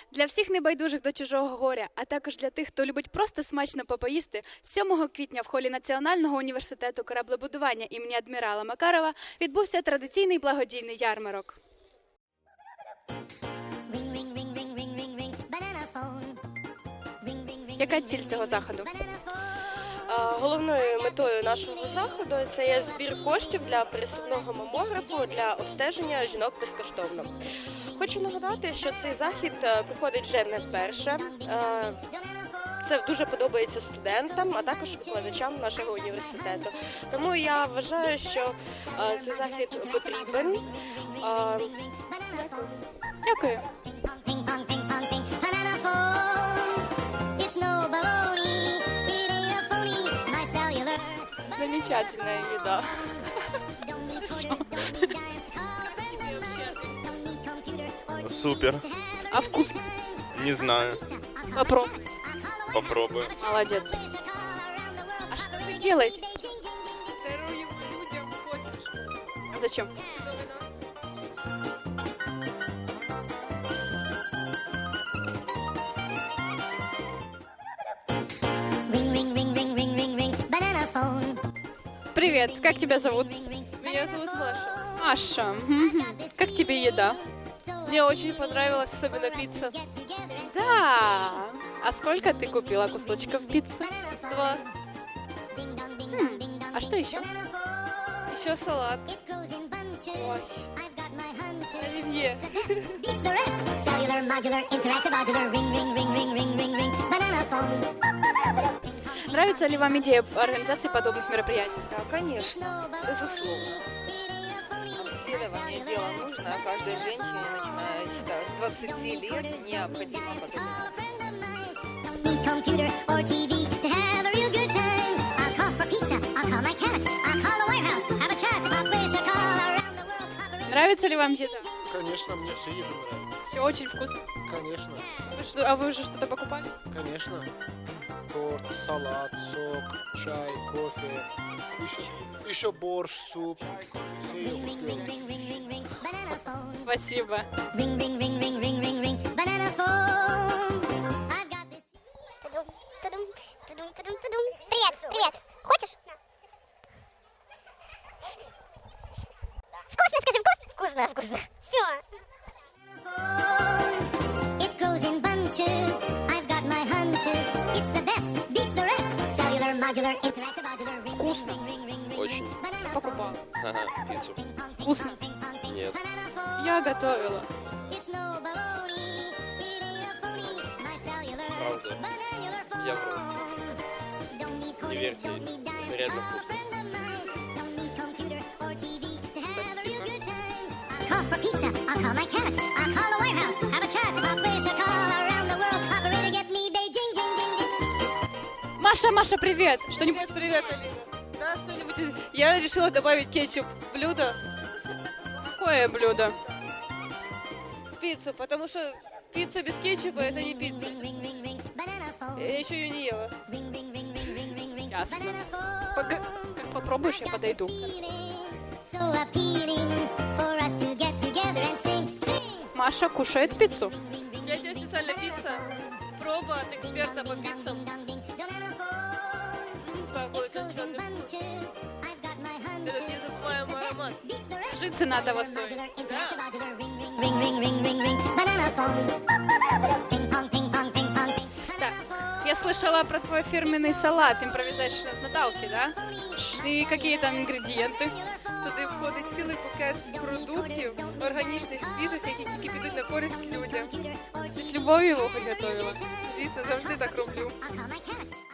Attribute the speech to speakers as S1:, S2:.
S1: Для всіх небайдужих до чужого горя, а також для тих, хто любить просто смачно попоїсти, 7 квітня в холі Національного університету кораблебудування імені адмірала Макарова відбувся традиційний благодійний ярмарок. Яка ціль цього заходу?
S2: Головною метою нашого заходу це є збір коштів для пересувного мамографу для обстеження жінок безкоштовно. Хочу нагадати, що цей захід проходить вже не вперше. Це дуже подобається студентам, а також викладачам нашого університету. Тому я вважаю, що цей захід потрібен.
S1: Дякую. Замечательная еда.
S3: Супер.
S1: А вкусно?
S3: Не знаю.
S1: Попробуй.
S3: Попробую.
S1: Молодец. А что вы делаете? Даруем людям посмешку. А зачем? Привет, как тебя зовут?
S2: Меня зовут Маша.
S1: Маша. Мгм. Как тебе еда?
S2: Мне очень понравилась особенно пицца.
S1: Да. А сколько ты купила кусочков пиццы?
S2: 2.
S1: А что еще?
S2: Еще салат.
S1: Ой.
S2: Оливье.
S1: Нравится ли вам идея организации подобных мероприятий?
S2: Да, конечно. Безусловно.
S4: Обследование дело нужно, а каждой женщине, начиная считаю, с 20 лет, необходимо подобное.
S1: Нравится ли вам еда?
S5: Конечно, мне все еда нравится.
S1: Все очень вкусно.
S5: Конечно,
S1: А вы уже что-то покупали?
S5: конечно. Торт, салат, сок, чай, кофе, еще борщ, суп. Все я купил.
S1: Спасибо.
S6: Привет, привет. Хочешь? Вкусно, скажи, вкусно? Вкусно, вкусно. Все. It grows in bunches. I've got my hunches. It's the best, beats the rest. Cellular, modular, interactive, modular.
S1: Вкусно.
S3: Очень.
S1: Покупала.
S3: Ага, пиццу.
S1: Вкусно.
S3: Нет.
S1: Я готовила.
S3: Правда. Я вру. Не верьте. Это реально вкусно.
S6: Call for pizza. I'll call my cat. I'll call the warehouse. Have a chat. I'll place a call around the world. Operator, get me Beijing, jing, jing, jing.
S1: Маша, привет. Что-нибудь?
S2: Привет, Алина. Да, что-нибудь. Я решила добавить кетчуп в блюдо.
S1: Какое блюдо?
S2: Пиццу, потому что пицца без кетчупа это не пицца. Я еще ее не ела.
S1: Ясно. Как попробуешь, я подойду.
S6: So appealing for us to get together and sing, sing.
S1: Маша кушает пиццу.
S2: Я тебе специально пицца. Проба от эксперта по пиццам. Какой конкретный вкус. Этот незабываемый аромат.
S1: Скажи, цена того стоит.
S6: Ring, ring, ring, ring, ring. Banana phone. Ping pong, ping pong, ping pong, ping.
S1: Так, я слышала про твой фирменный салат импровизation от Наталки, да? И какие там ингредиенты?
S7: Туди входить цілий букет продуктів, органічних, свіжих, які тільки підуть на користь людям.
S1: Ты с любовью его приготовила?
S7: Звісно, завжди так роблю.
S6: I'll call my cat.